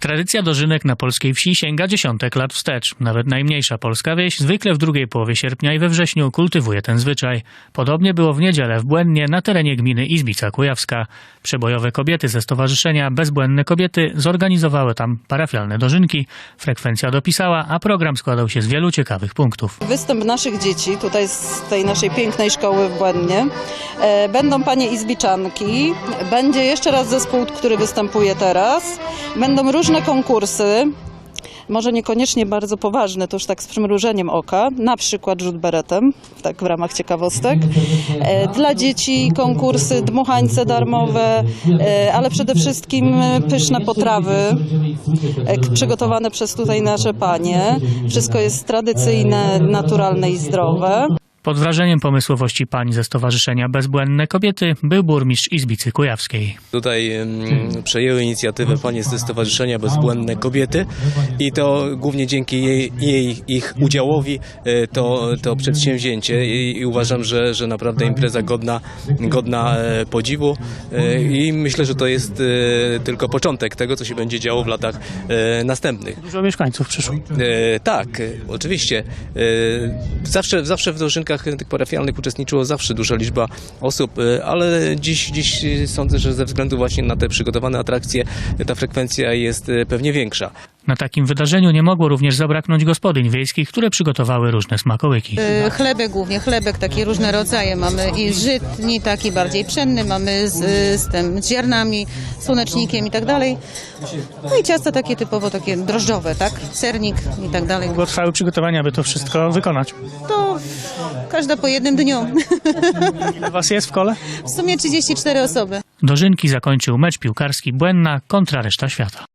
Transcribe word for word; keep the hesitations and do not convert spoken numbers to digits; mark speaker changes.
Speaker 1: Tradycja dożynek na polskiej wsi sięga dziesiątek lat wstecz. Nawet najmniejsza polska wieś zwykle w drugiej połowie sierpnia i we wrześniu kultywuje ten zwyczaj. Podobnie było w niedzielę w Błędnie na terenie gminy Izbica Kujawska. Przebojowe kobiety ze stowarzyszenia Bezbłędne Kobiety zorganizowały tam parafialne dożynki. Frekwencja dopisała, a program składał się z wielu ciekawych punktów.
Speaker 2: Występ naszych dzieci tutaj z tej naszej pięknej szkoły w Błędnie. Będą panie izbiczanki, będzie jeszcze raz zespół, który występuje teraz. Będą różne konkursy, może niekoniecznie bardzo poważne, to już tak z przymrużeniem oka, na przykład rzut beretem, tak w ramach ciekawostek. Dla dzieci konkursy, dmuchańce darmowe, ale przede wszystkim pyszne potrawy przygotowane przez tutaj nasze panie. Wszystko jest tradycyjne, naturalne i zdrowe.
Speaker 1: Pod wrażeniem pomysłowości pań ze Stowarzyszenia Bezbłędne Kobiety był burmistrz Izbicy Kujawskiej.
Speaker 3: Tutaj um, przejęły inicjatywę panie ze Stowarzyszenia Bezbłędne Kobiety i to głównie dzięki jej, jej ich udziałowi to, to przedsięwzięcie i, i uważam, że, że naprawdę impreza godna, godna podziwu i myślę, że to jest tylko początek tego, co się będzie działo w latach następnych.
Speaker 1: Dużo mieszkańców przyszło.
Speaker 3: Tak, oczywiście. Zawsze, zawsze w dożynkach tych parafialnych uczestniczyło zawsze duża liczba osób, ale dziś, dziś sądzę, że ze względu właśnie na te przygotowane atrakcje ta frekwencja jest pewnie większa.
Speaker 1: Na takim wydarzeniu nie mogło również zabraknąć gospodyń wiejskich, które przygotowały różne smakołyki.
Speaker 4: Yy, chlebek głównie, chlebek, takie różne rodzaje. Mamy i żytni, taki bardziej pszenny, mamy z, z tym z ziarnami, słonecznikiem i tak dalej. No i ciasta takie typowo takie drożdżowe, tak? Sernik i tak dalej.
Speaker 1: Długo trwały przygotowania, by to wszystko wykonać.
Speaker 4: To każda po jednym dniu.
Speaker 1: Ile was jest w kole?
Speaker 4: W sumie trzydzieści cztery osoby.
Speaker 1: Dożynki zakończył mecz piłkarski Błędna kontra reszta świata.